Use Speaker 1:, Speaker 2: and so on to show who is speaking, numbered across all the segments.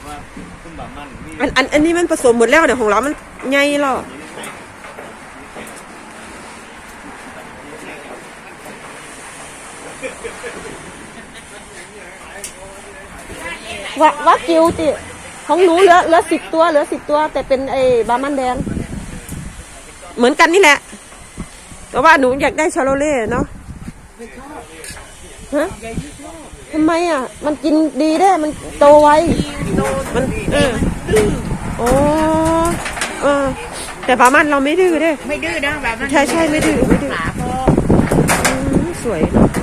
Speaker 1: อันนี้มันผสมหมดแล้วเนี่ยของเรามันใหญ่หรอว่ากิวจิของหนูเหลือ10 ตัวแต่เป็นไอ้บาร์มันแดงเหมือนกันนี่แหละแต่ว่าหนูอยากได้ชาโลเล่เนาะฮะทำไมอ่ะมันกินดีได้มันโตไวมันโอ้แต่บาร์มันเราไม่ดื้อได้
Speaker 2: ไม่ดื้อนะแบบนั้น
Speaker 1: ใช่ไม่ดื้อสวย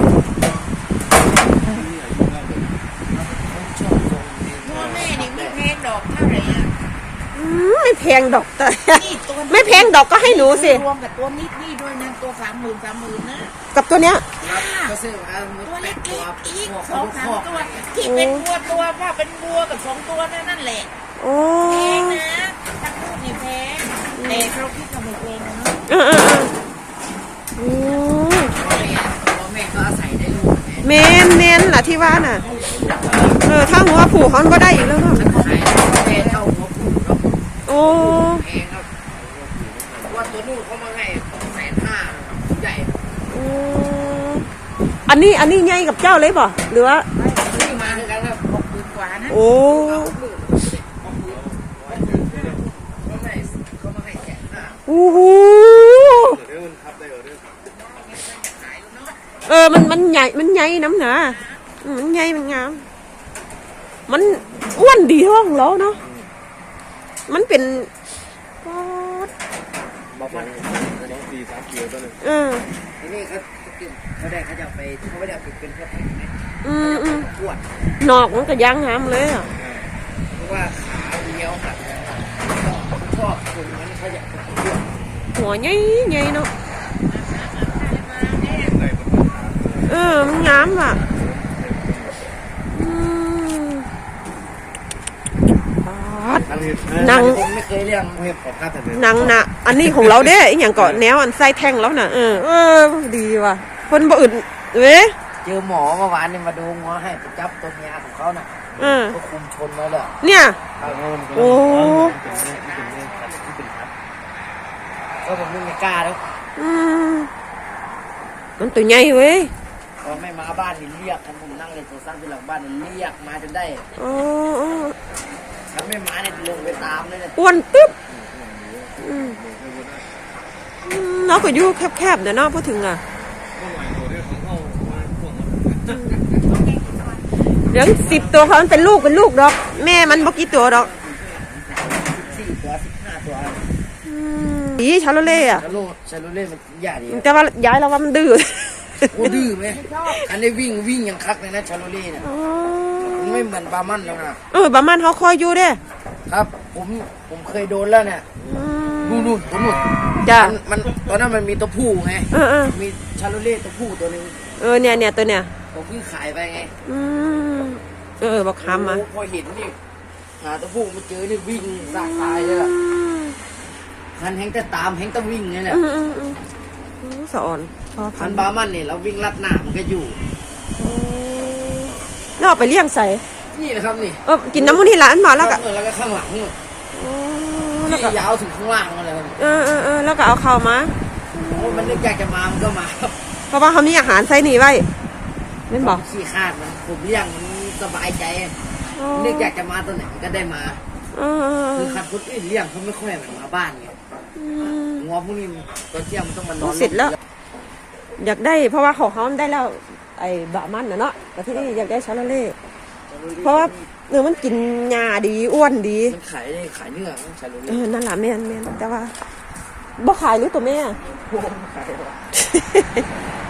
Speaker 1: ไม่แพงดอกแต่ไม่แพงดอกก็ให้หนูสิ
Speaker 2: รวมกับตัวนิดนี่ด้วยนะตัว30,000นะ
Speaker 1: กับตัวเนี้ย
Speaker 2: ตัวเล็กอีก2-3 ตัวที่เป็นตัวว่าเป็นวัวกับ2 ตัวนั่นแหละแพงนะทั้งคู่นี่แพงแต่เราคิดว่าไม่แพงนะแม่ก็อาศัยได้ลูก
Speaker 1: เมนล่ะที่ว่าน่ะถ้าหัวผูกเขาก็ได้อีกแล้วเนาะโอ้
Speaker 2: ว่าตัวนู้นเขามาให้150,000ใหญ่
Speaker 1: อันนี้ใหญ่กับเจ้าเลยบ่หรือว่า
Speaker 2: นี่มาด้วยกันแล้ว60,000 กว่านะ
Speaker 1: โอ้
Speaker 2: เขามาให้150,000
Speaker 1: โอ้โหมันใหญ่น้ำหนามันใหญ่มันงามมันอ้วนดีห้องแล้วเนาะมันเป็น
Speaker 3: บอกมันต้อง4-3 กิโลตัวนึง
Speaker 2: ทีนี้เขาได้เขาจะไปเขาไม่ได้ไปเป็นพวกแข็งไหมขวด
Speaker 1: นอกมันก็ย่างหามเลยอ่ะ
Speaker 2: เพราะว่าขาเลี้ยวค่ะชอบตรงนั้นเขาอยากขวด
Speaker 1: หัวใหญ่เนาะมันงามอ่ะนัง
Speaker 2: ไม่เคยเลี้ยง
Speaker 1: นังนะอันนี้ของเราเด้อย่างเกาะแนวอันไส้แท่งแล้วน่ะดีว่ะคนบ่อื่น
Speaker 2: เจอหมอเมื่อวานนี่มาดูหัวให้ไปจับตัวเมียของเขาน่ะก็คุมชนแล้วแหละ
Speaker 1: เนี่ยโอ้
Speaker 2: ก็ผมไม่กล้าแล้ว
Speaker 1: มันตัวใหญ่เว้ย
Speaker 2: พอไม่มาบ้านนี่เรียกผมนั่งเลยโซซังที่หลังบ้านนี่เรียกมาจนได้ถ้าไม่มาเนี่ยลงไปตามเลยเนี่ย
Speaker 1: อ้วนตึ๊บเราก็อยู่แคบๆเดี๋ยวน้องพูดถึงอ่ะเดี๋ยว10 ตัวเขามันเป็นลูกดอกแม่มันบ่กี่ตัวดอก
Speaker 2: 4 ตัว 15 ตัว
Speaker 1: ดีชาโลเล่อะ
Speaker 2: ชาโลเล่มันใหญ่ดี
Speaker 1: แต่ว่าย้ายเราว่ามันดื้อ
Speaker 2: โอ้ดื้อไหมอันนี้วิ่งยังคักเลยนะชาโลเล่เนี่ยมันไม่เหมือนบาร์มันแล้วนะ
Speaker 1: บาร์มันเขาคอยอยู่เด้
Speaker 2: ครับผมเคยโดนแล้วเนี่ยนู่นตัวนู่น
Speaker 1: จ้ะ
Speaker 2: มันตอนนั้นมันมีตัวผู้ไงมีชาโลเล่ตัวผู้ตัวนึง
Speaker 1: เนี่ยตัวเนี่ย
Speaker 2: ผมเพิ่งขายไปไง
Speaker 1: บอกคำมา
Speaker 2: พอเห็นนี่หาตัวผู้มาเจอนี่วิ่งสากตายเลยล่ะคันแหงแต่ตามแหงแต่วิ่งนี่แหละ
Speaker 1: สอน
Speaker 2: คันบาร์มันเนี่ยเราวิ่งลัดหน้ามันก็อยู่
Speaker 1: แล้วเอาไปเลี้ยงใส่
Speaker 2: นี่นะครับนี่
Speaker 1: กินน้ำมันที่ร้านมาแล้วก็
Speaker 2: ข้างหลังนี่ยาวถึงข้างล่างเลย
Speaker 1: แล้วก็เอาเข้ามา
Speaker 2: มันนึกอยากจะมามันก็มา
Speaker 1: เพราะว่าเขามีอาหารใส่หนีไว้ไม่บอก
Speaker 2: ขี้คาดมันผมเลี้ยงมันสบายใจนึกอยากจะมาตัวไหนก็ได้มาคือคันคนอื่นเลี้ยงเขาไม่ค่อยเหมือนมาบ้านไงงัวพวกนี้ตอนเที่ยงมันต้องมานอน
Speaker 1: เสร็จแล้วอยากได้เพราะว่าของเขาได้แล้วไอ้บะมันเนาะแต่ที่นี่อยากได้ชาโลเล่เพราะว่ามันกินหญ้าดีอ้วนดี
Speaker 2: มันขายเนื้อชาโลเล่
Speaker 1: นั่นแหละแม่นแต่ว่าบ่ขายหรือตัวแม่